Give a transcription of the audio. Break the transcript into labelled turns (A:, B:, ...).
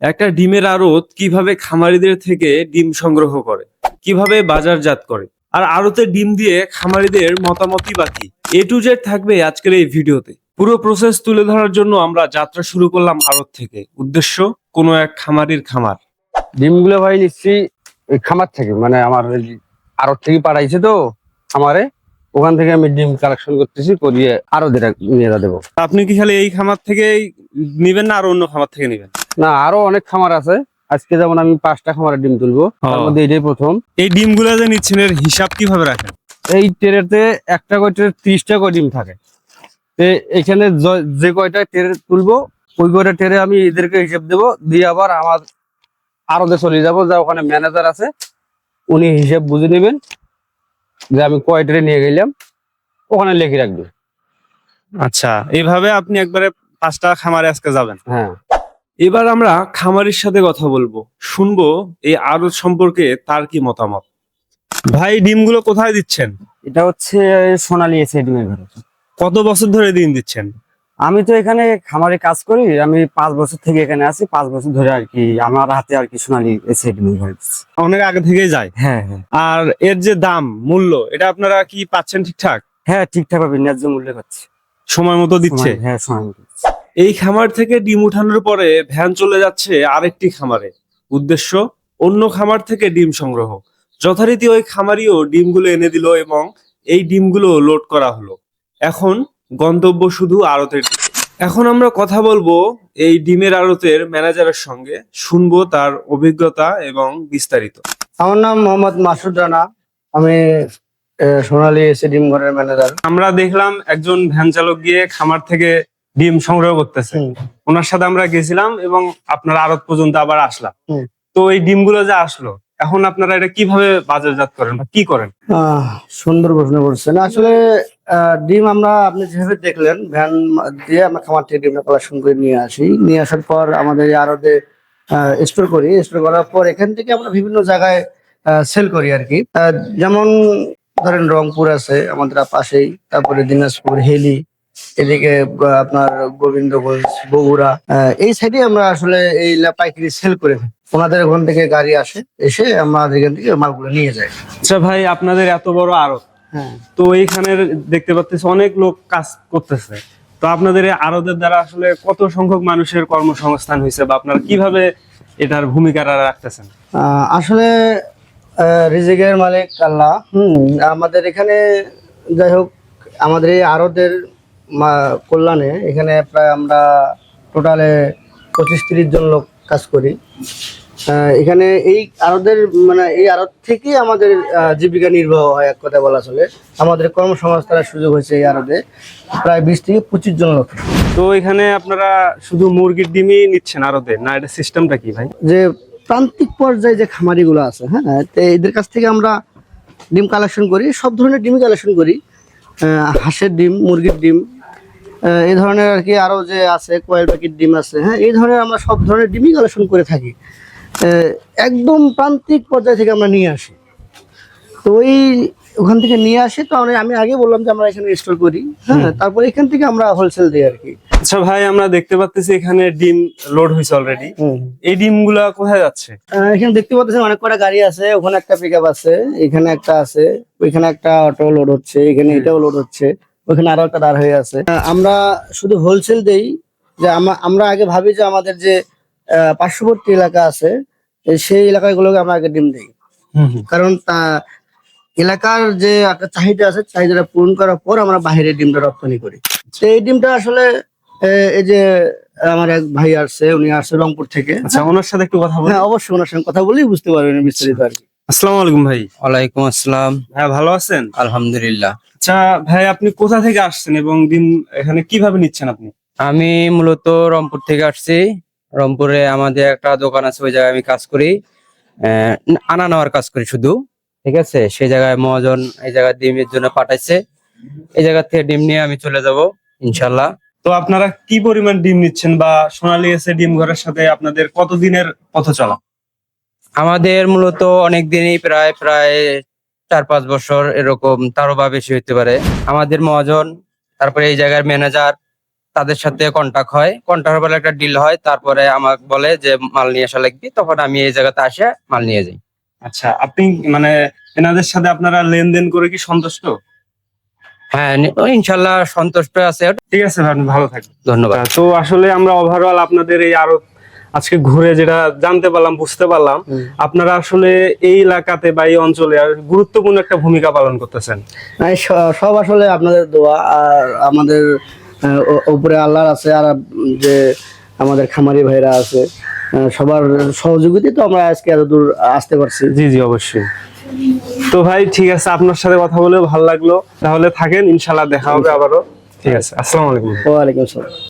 A: একটা ডিমের আড়ত কিভাবে খামারিদের থেকে ডিম সংগ্রহ করে, কিভাবে বাজারজাত করে, আর আড়তে ডিম দিয়ে খামারিদের মতামতই বা কি, A to Z থাকবে আজকের এই ভিডিওতে। পুরো প্রসেস তুলে ধরার জন্য আমরা যাত্রা শুরু করলাম আড়ত থেকে। উদ্দেশ্য কোনো এক খামারির খামার।
B: ডিমগুলো ভাই নিচ্ছি ওই খামার থেকে, মানে আমার আড়ত থেকে পাঠাইছে তো খামারে, ওখান থেকে আমি ডিম কালেকশন করতেছি, করিয়ে আরো নিয়ে দেবো।
A: আপনি কি খালি এই খামার থেকেই নিবেন না আর অন্য খামার থেকে নিবেন?
B: না, আরো অনেক খামার আছে। আজকে যেমন আমি 5টা খামারের ডিম তুলবো, তার মধ্যে এটাই প্রথম।
A: এই ডিমগুলো যে নিচ্ছেন এর হিসাব কিভাবে রাখেন?
B: এই ট্রেতে একটা করে ট্রে 30টা করে ডিম থাকে। এখানে যে কয়টা ট্রে তুলবো ওই কয়টা ট্রে আমি এদেরকে হিসাব দেবো, দিয়ে আবার আমার আরতে চলে যাবো, যা ওখানে ম্যানেজার আছে, উনি হিসাব বুঝে নেবেন যে আমি কয় ট্রে নিয়ে গেলাম, ওখানে লিখে রাখবে।
A: আচ্ছা, এইভাবে আপনি একবারে 5টা খামারে আজকে যাবেন?
B: হ্যাঁ।
A: এবার আমরা খামারির সাথে কথা বলবো, শুনবো এই আড়ত সম্পর্কে তার কি মতামত। ভাই, ডিমগুলো কোথায় দিচ্ছেন?
C: এটা হচ্ছে সোনালী এসে ডিমের ঘরে।
A: কত বছর ধরে ডিম দিচ্ছেন?
C: আমি তো এখানে খামারে কাজ করি, আমি 5 বছর থেকে এখানে আছি। 5 বছর ধরে আর কি আমার হাতে আর কি সোনালী এসে ডিমের ঘরে দিচ্ছি।
A: অনেক আগে থেকেই যায়।
C: হ্যাঁ হ্যাঁ
A: আর এর যে দাম মূল্য, এটা আপনারা কি পাচ্ছেন ঠিকঠাক?
C: হ্যাঁ, ঠিকঠাক ভাবে ন্যায্য মূল্যে পাচ্ছি।
A: সময় মতো দিচ্ছে?
C: হ্যাঁ, সময় মতো দিচ্ছি।
A: এই খামার থেকে ডিম উঠানোর পরে ভ্যান চলে যাচ্ছে আরেকটি খামারে। উদ্দেশ্য অন্য খামার থেকে ডিম সংগ্রহ। যথারীতি ওই খামারিও ডিমগুলো এনে দিল এবং এই ডিমগুলো লোড করা হলো। এখন গন্তব্য শুধু আড়তের দিকে। এখন আমরা কথা বলবো এই ডিমের আড়তের ম্যানেজারের সঙ্গে, শুনবো তার অভিজ্ঞতা এবং বিস্তারিত।
B: আমার নাম মোহাম্মদ মাসুদ রানা, আমি সোনালী এসে ডিম ঘরের ম্যানেজার।
A: আমরা দেখলাম একজন ভ্যান চালক গিয়ে খামার থেকে ডিম সংগ্রহ করতেছে, ওনার সাথে আমরা গেছিলাম এবং আপনার আড়ত পর্যন্ত আবার আসলাম। তো এই ডিমগুলো যে আসলো, এখন আপনারা এটা কিভাবে বাজারজাত করেন বা কি করেন?
B: সুন্দর প্রশ্ন করছেন। আসলে ডিম আমরা আপনি যেভাবে দেখলেন, ভ্যান দিয়ে আমরা খামার থেকে ডিমটা কালেকশন করে নিয়ে আসি। নিয়ে আসার পর আমাদের আড়তে স্টোর করি। স্টোর করার পর এখান থেকে আমরা বিভিন্ন জায়গায় সেল করি আর কি। যেমন ধরেন রংপুর আছে আমাদের পাশেই, তারপরে দিনাজপুর, হেলি, এদিকে আপনার গোবিন্দগঞ্জ, বগুড়া, এই সাইডে আমরা আসলে এই পাইকারি সেল করে থাকি। ওনাদের ওখান থেকে গাড়ি আসে, এসে আমাদের এখান থেকে মালগুলো নিয়ে যায়।
A: আচ্ছা ভাই, আপনাদের এত বড় আড়ত,
B: হ্যাঁ।
A: তো এইখানে দেখতে পাচ্ছেন অনেক লোক কাজ করতেছে। তো আপনাদের এই আড়তের দ্বারা আসলে কত সংখ্যক মানুষের কর্মসংস্থান হয়েছে বা আপনারা কিভাবে এটার ভূমিকা রাখতেছেন?
B: আসলে রিজিকের মালিক আল্লাহ। আমাদের এখানে যাই হোক, আমাদের এই আড়তের কল্যাণে এখানে প্রায় আমরা টোটালে 25-30 জন লোক কাজ করি। এখানে এই আড়তের মানে এই আড়ত থেকেই আমাদের জীবিকা নির্বাহ হয়, এক কথা বলা চলে। আমাদের কর্মসংস্থানের সুযোগ হয়েছে এই আড়তে প্রায় 20-25 জন লোক।
A: তো এখানে আপনারা শুধু মুরগির ডিমই নিচ্ছেন আড়তে, না এটা সিস্টেমটা কি ভাই?
B: যে প্রান্তিক পর্যায়ে যে খামারিগুলো আছে, হ্যাঁ, তো এদের কাছ থেকে আমরা ডিম কালেকশন করি, সব ধরনের ডিমই কালেকশন করি। হাঁসের ডিম, মুরগির ডিম, এই ধরনের আর কি, আরো যে আছে কয়েল প্যাকেট ডিম আছে, হ্যাঁ, এই ধরনের আমরা সব ধরনের ডিমই কালেকশন করে থাকি। একদম প্রান্তিক পর্যায় থেকে আমরা নিয়ে আসি। তো ওখান থেকে নিয়ে আসি, তো আমি আগে বললাম যে আমরা এখানে স্টোর করি, হ্যাঁ, তারপর এখান থেকে আমরা হোলসেল দিই আর কি।
A: আচ্ছা ভাই, আমরা দেখতে পাচ্ছি এখানে ডিম লোড হয়েছে অলরেডি। এই ডিমগুলা কোথায় যাচ্ছে?
B: এখানে দেখতে পাচ্ছেন অনেক কটা গাড়ি আছে, ওখানে একটা পিকআপ আছে, এখানে একটা আছে, ওইখানে একটা অটো লোড হচ্ছে, এখানে এটাও লোড হচ্ছে, ওইখানে আরো একটা দাঁড় হয়ে আছে। আমরা শুধু হোলসেল দেই। যে আমরা আগে ভাবি যে আমাদের যে পার্শ্ববর্তী এলাকা আছে, সেই এলাকাগুলোকে আমরা আগে ডিম দিই, কারণ এলাকার যে একটা চাহিদা আছে, চাহিদাটা পূরণ করার পর আমরা বাইরে ডিমটা রপ্তানি করি। তো এই ডিমটা আসলে এই যে আমার এক ভাই আসছে, উনি আসছে রংপুর থেকে।
A: আচ্ছা, ওনার সাথে একটু কথা বলি।
B: হ্যাঁ, অবশ্যই ওনার সঙ্গে কথা বলেই বুঝতে পারবেন বিস্তারিত আর কি।
A: আসসালামু আলাইকুম ভাই।
C: ওয়ালাইকুম আসসালাম।
A: হ্যাঁ, ভালো আছেন?
C: আলহামদুলিল্লাহ।
A: আচ্ছা ভাই, আপনি কোথা থেকে আসছেন এবং ডিম এখানে কিভাবে নিচ্ছেন আপনি?
C: আমি মূলত রংপুর থেকে আসছি। রংপুরে আমাদের একটা দোকান আছে, ওই জায়গায় আমি কাজ করি, আনা নেওয়ার কাজ করি শুধু। ঠিক আছে, সেই জায়গায় মহাজন এই জায়গায় ডিমের জন্য পাঠাইছে, এই জায়গা থেকে ডিম নিয়ে আমি চলে যাব ইনশাল্লাহ।
A: তো আপনারা কি পরিমাণ ডিম নিচ্ছেন বা সোনালী এসে ডিম ঘরের সাথে আপনাদের কতদিনের পথ চলা?
C: আমাদের মূলত অনেক দিনই, প্রায় 4-5 বছর এরকম, তারও বা বেশি হইতে পারে। আমাদের মহাজন, তারপরে এই জায়গার ম্যানেজার, তাদের সাথে কন্টাক্ট হয়, কন্টাক্ট বলে একটা ডিল হয়, তারপরে আমাকে বলে যে মাল নিয়ে আসা লাগবে, তখন আমি এই জায়গাতে আসে মাল নিয়ে যাই।
A: আচ্ছা, আপনি মানে এনাদের সাথে আপনারা লেনদেন করে কি সন্তুষ্ট?
C: হ্যাঁ, ইনশাল্লাহ সন্তুষ্ট আছে।
A: ঠিক আছে ভাই, আপনি ভালো থাকবেন।
C: ধন্যবাদ।
A: তো আসলে আমরা ওভারঅল আপনাদের এই আড়ত আজকে ঘুরে যেটা জানতে পারলাম, বুঝতে পারলাম আপনারা আসলে এই এলাকাতে বা এই অঞ্চলে আর গুরুত্বপূর্ণ একটা ভূমিকা পালন করতেছেন।
B: সব আসলে আপনাদের দোয়া আর আমাদের উপরে আল্লাহর আছে, আর যে আমাদের খামারি ভাইরা আছে, সবার সহযোগিতায় তো আমরা আজকে এত দূর আসতে পারছি।
A: জি জি, অবশ্যই। তো ভাই ঠিক আছে, আপনার সাথে কথা বলেও ভালো লাগলো। তাহলে থাকেন, ইনশাল্লাহ দেখা হবে আবারও। ঠিক আছে, আসসালামু আলাইকুম।
B: ওয়ালাইকুম আসসালাম।